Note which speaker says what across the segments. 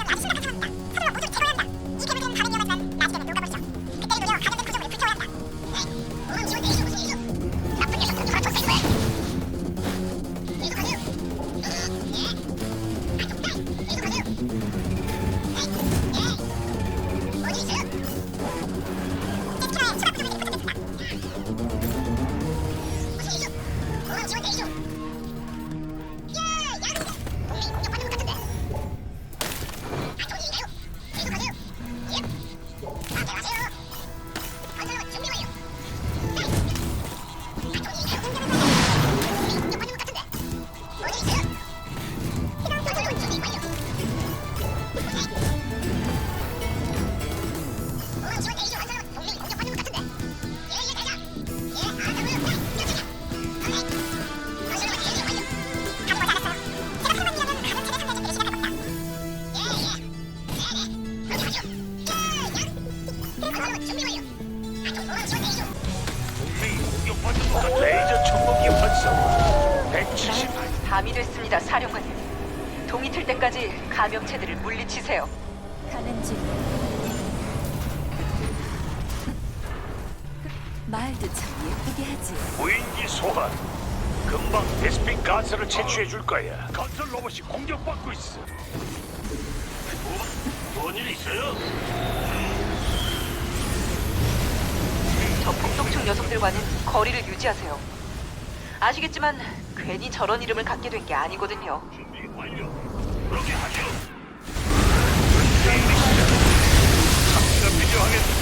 Speaker 1: 레이저 청동기 활성 170.
Speaker 2: 밤이 됐습니다, 사령관님. 동이 틀 때까지 감염체들을 물리치세요.
Speaker 3: 가는 중. 말도 참 예쁘게 하지.
Speaker 1: 무인기 소환. 금방 베스핀 가스를 채취해 줄 거야. 건설 로봇이 공격받고 있어. 뭔일 있어요?
Speaker 2: 저 폭독충 녀석들과는 거리를 유지하세요. 아시겠지만 괜히 저런 이름을 갖게 된 게 아니거든요.
Speaker 1: 준비 완료. 그렇게 하죠. 장치가 필요하겠다.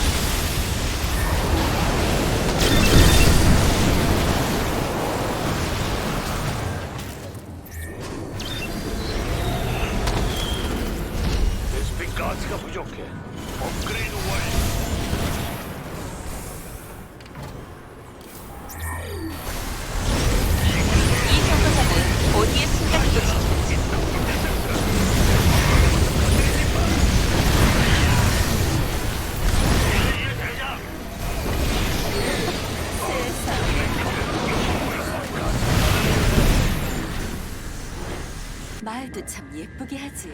Speaker 1: 베스핀 가스가 부족해. 업그레이드 완료.
Speaker 2: 이 정거장은 어디에 숨겨 있었지?
Speaker 3: 말도 참 예쁘게 하지.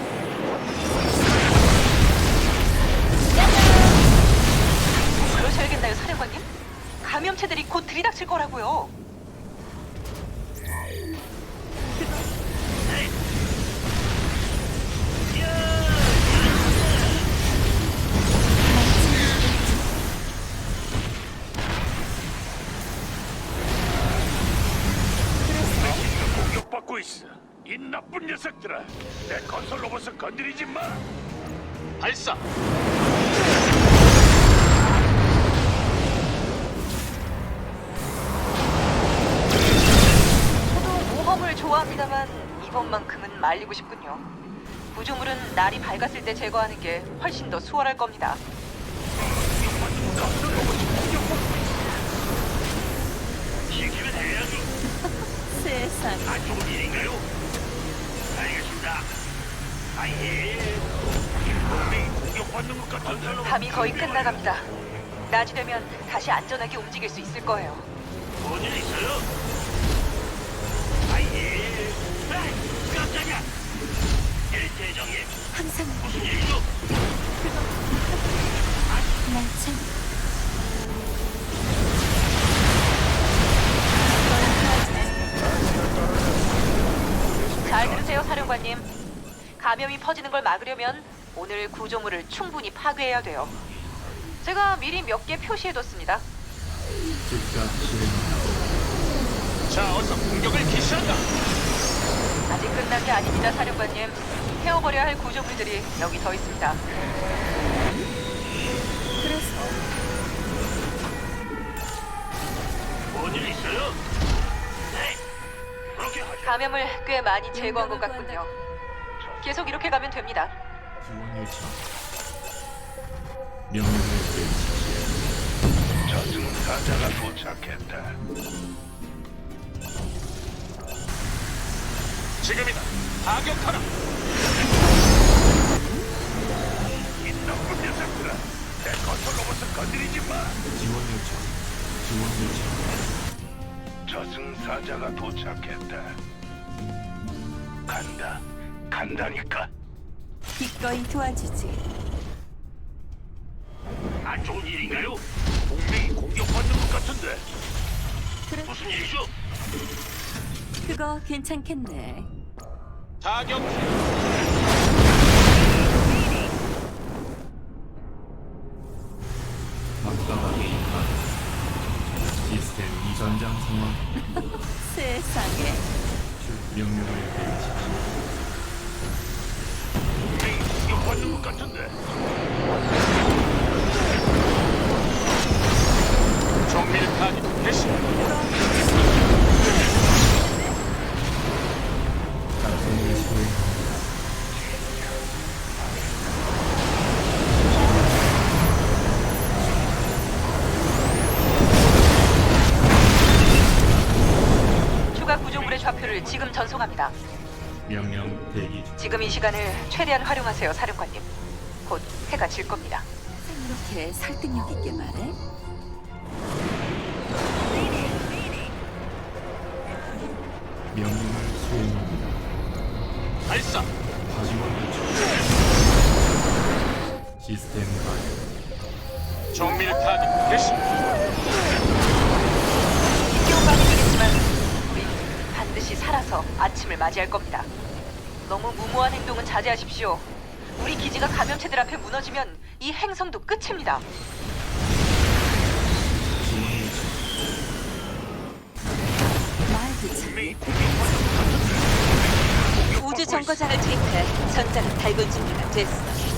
Speaker 2: 그러셔야겠나요, 사령관님? 감염체들이 곧 들이닥칠 거라고요.
Speaker 1: 공격받고 있어. 이 나쁜 녀석들아. 내 건설 로봇을 건드리지 마. 발사.
Speaker 2: 저도 모험을 좋아합니다만 이번만큼은 말리고 싶군요. 구조물은 날이 밝았을 때 제거하는 게 훨씬 더 수월할 겁니다.
Speaker 1: 건설 로봇이 공격받고 있어. 시키면 해야죠.
Speaker 3: 세상.
Speaker 1: 안 좋은 일인가요? 알겠습니다. 아예. 동맹이 공격받는 것 같은
Speaker 2: 밤이 거의 끝나갑니다. 낮이 되면 다시 안전하게 움직일 수 있을 거예요.
Speaker 1: 뭔일 있어요? 아예. 에이, 깜짝이야. 일대장님,
Speaker 3: 항상
Speaker 1: 무슨 일이죠?
Speaker 3: 날 참.
Speaker 2: 잘 들으세요, 사령관님. 감염이 퍼지는 걸 막으려면 오늘 구조물을 충분히 파괴해야 돼요. 제가 미리 몇 개 표시해뒀습니다.
Speaker 1: 자, 어서 공격을 개시한다.
Speaker 2: 아직 끝난 게 아닙니다, 사령관님. 태워버려야 할 구조물들이 여기 더 있습니다.
Speaker 3: 그래서
Speaker 1: 뭔일 있어요? 네. 그렇게 하죠.
Speaker 2: 감염을 꽤 많이 제거한 것 같군요. 계속 이렇게 가면 됩니다.
Speaker 4: 지원 요청. 명령을 내리십시오.
Speaker 1: 저승사자가 도착했다. 지금이다. 타격하라. 이 나쁜 녀석들아. 내 건설 로봇을 건드리지 마.
Speaker 4: 지원 요청. 지원 요청.
Speaker 1: 저승사자가 도착했다. 간다. 간다니까.
Speaker 3: 기꺼이 도와주지.
Speaker 1: 안 좋은 일인가요? 동맹이 공격받는 것 같은데.
Speaker 3: 그래,
Speaker 1: 무슨 일이죠?
Speaker 3: 그거 괜찮겠네.
Speaker 1: 타격.
Speaker 4: 막강하게 임하다. 시스템 이전장 상황.
Speaker 3: 세상에.
Speaker 4: 명령을 내리십시오.
Speaker 1: 동맹이 공격받는 것 같은데. 정밀 타격 개시.
Speaker 4: 작전을 수행합니다.
Speaker 2: 추가 구조물의 좌표를 지금 전송합니다.
Speaker 4: 명령 대기 중.
Speaker 2: 지금 이 시간을 최대한 활용하세요, 사령관님. 곧 해가 질 겁니다.
Speaker 3: 이렇게 설득력 있게 말해?
Speaker 4: 명령을 수행합니다.
Speaker 1: 발사.
Speaker 4: 하지원 요청. 시스템 가동.
Speaker 1: 정밀 타격 개시.
Speaker 2: 힘겨운 밤이겠지만 우리 반드시 살아서 아침을 맞이할 겁니다. 너무 무모한 행동은 자제하십시오. 우리 기지가 감염체들 앞에 무너지면 이 행성도 끝입니다.
Speaker 4: 지원 요청.
Speaker 3: 말도 참.
Speaker 1: 동맹이 공격받는 것 같은데.
Speaker 3: 우주 정거장을 투입해 전장은 달군 준비가 됐어.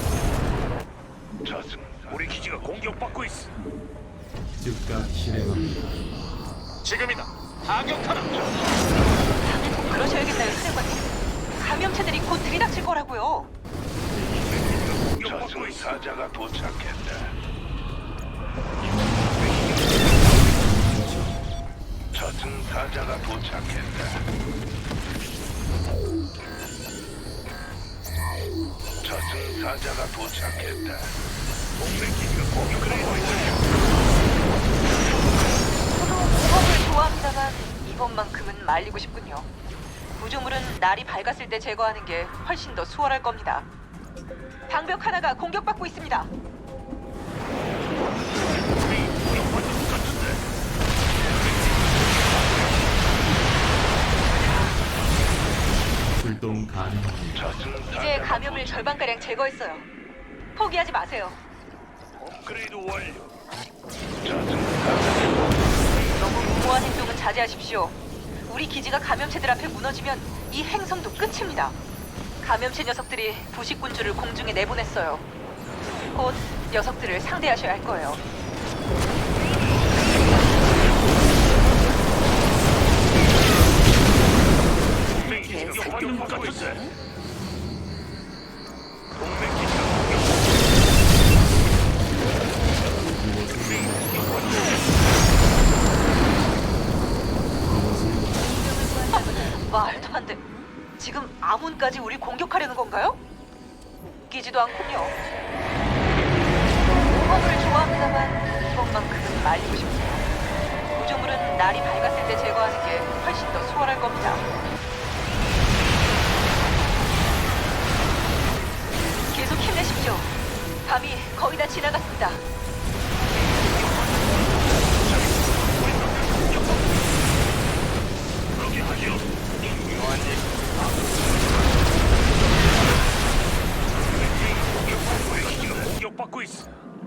Speaker 1: 저승. 우리 기지가 공격받고 있어.
Speaker 4: 즉각 실행합니다.
Speaker 1: 지금이다. 타격하라.
Speaker 2: 다음에 꼭 그러셔야겠나요, 사령관님? 감염체들이 곧 들이닥칠 거라고요.
Speaker 1: 공격받고 있어. 사자가 도착했다. 저승사자가 도착했다. 저승사자가 도착했다. 동맹 기지가 공격을 하고 있다.
Speaker 2: 저도 공업을 좋아합니다만 이번만큼은 말리고 싶군요. 구조물은 날이 밝았을 때 제거하는 게 훨씬 더 수월할 겁니다. 방벽 하나가 공격받고 있습니다.
Speaker 1: 동맹이 공격받는 것 같은데.
Speaker 4: 출동 가능합니다.
Speaker 2: 이제 감염을 절반가량 제거했어요. 포기하지 마세요.
Speaker 1: 업그레이드 완료.
Speaker 2: 너무 무모한 행동은 자제하십시오. 우리 기지가 감염체들 앞에 무너지면 이 행성도 끝입니다. 감염체 녀석들이 부식군주를 공중에 내보냈어요. 곧 녀석들을 상대하셔야 할 거예요.
Speaker 1: 동맹이 공격받는 것 같은데. 동맹 기지가 공격받고
Speaker 2: 말도 안 돼. 지금 아문까지 우리 공격하려는 건가요? 웃기지도 않군요. 모험을 좋아합니다만 이번만큼은 말리고 싶네요. 구조물은 날이 밝았을 때 제거하는 게 훨씬 더 수월할 겁니다. 계속 힘내십시오. 밤이 거의 다 지나갔습니다.
Speaker 1: 그렇게 하죠. 중요한 일. 공격받고 있어.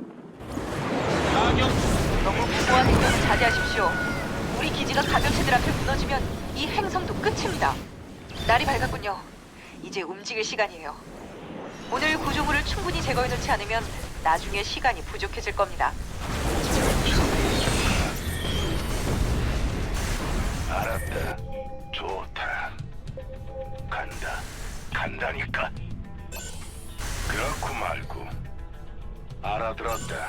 Speaker 1: 타격.
Speaker 2: 너무 무모한 행동은 자제하십시오. 우리 기지가 감염체들 앞에 무너지면 이 행성도 끝입니다. 날이 밝았군요. 이제 움직일 시간이에요. 오늘 구조물을 충분히 제거해놓지 않으면 나중에 시간이 부족해질 겁니다.
Speaker 1: 알았다. 좋다. 간다. 간다니까. 그렇고 말고. 알아들었다.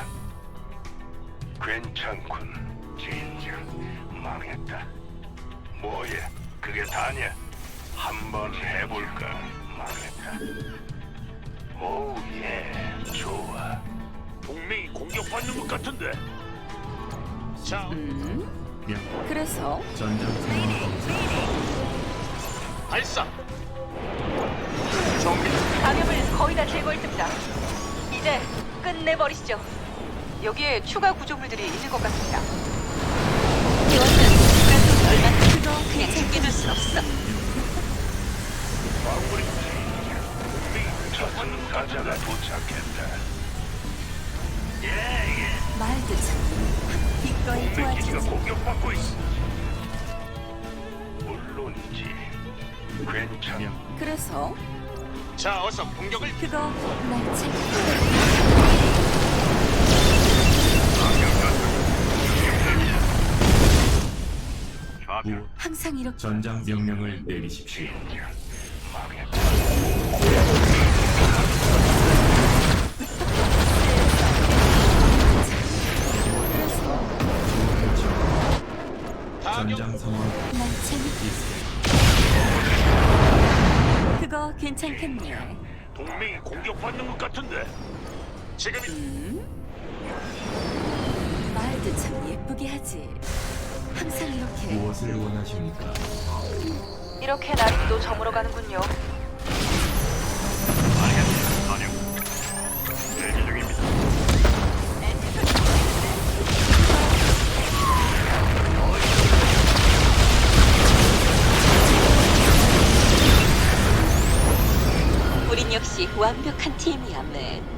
Speaker 1: 괜찮군. 진정 망했다. 뭐야? 그게 다냐? 한번 해볼까? 망했다. 오, 예, 좋아. 동맹이 공격받는 것 같은데. 자,
Speaker 4: 명
Speaker 3: 그래서
Speaker 4: 전장 상황 검사.
Speaker 1: 발사. 정리.
Speaker 2: 감염을 거의 다 제거했습니다. 이제 끝내버리시죠. 여기에 추가 구조물들이 있는 것 같습니다.
Speaker 3: 요즘 그래도 얼마나 그거 그냥 챙겨줄 순 없어.
Speaker 1: 마무리. 저승사자가 도착했다.
Speaker 3: 말도 참 기꺼이
Speaker 1: 기지가
Speaker 3: 도와주지.
Speaker 1: 공격받고 있어. 물론이지. 괜찮아.
Speaker 3: 그래서
Speaker 1: 자, 어서 공격을.
Speaker 3: 그거 날 챙겨.
Speaker 4: 무엇
Speaker 3: 항상 이렇게
Speaker 4: 전장 명령을 내리십시오. 전장 상황
Speaker 3: 날 챙겨. 그거 괜찮겠네.
Speaker 1: 동맹이 공격받는 것 같은데. 지금이
Speaker 3: 말도 참 예쁘게 하지. 항상 이렇게.
Speaker 4: 무엇을 원하십니까?
Speaker 2: 이렇게 날이 또 저물어 가는군요.
Speaker 1: 대기 중입니다.
Speaker 3: 우린 역시 완벽한 팀이야, 맨.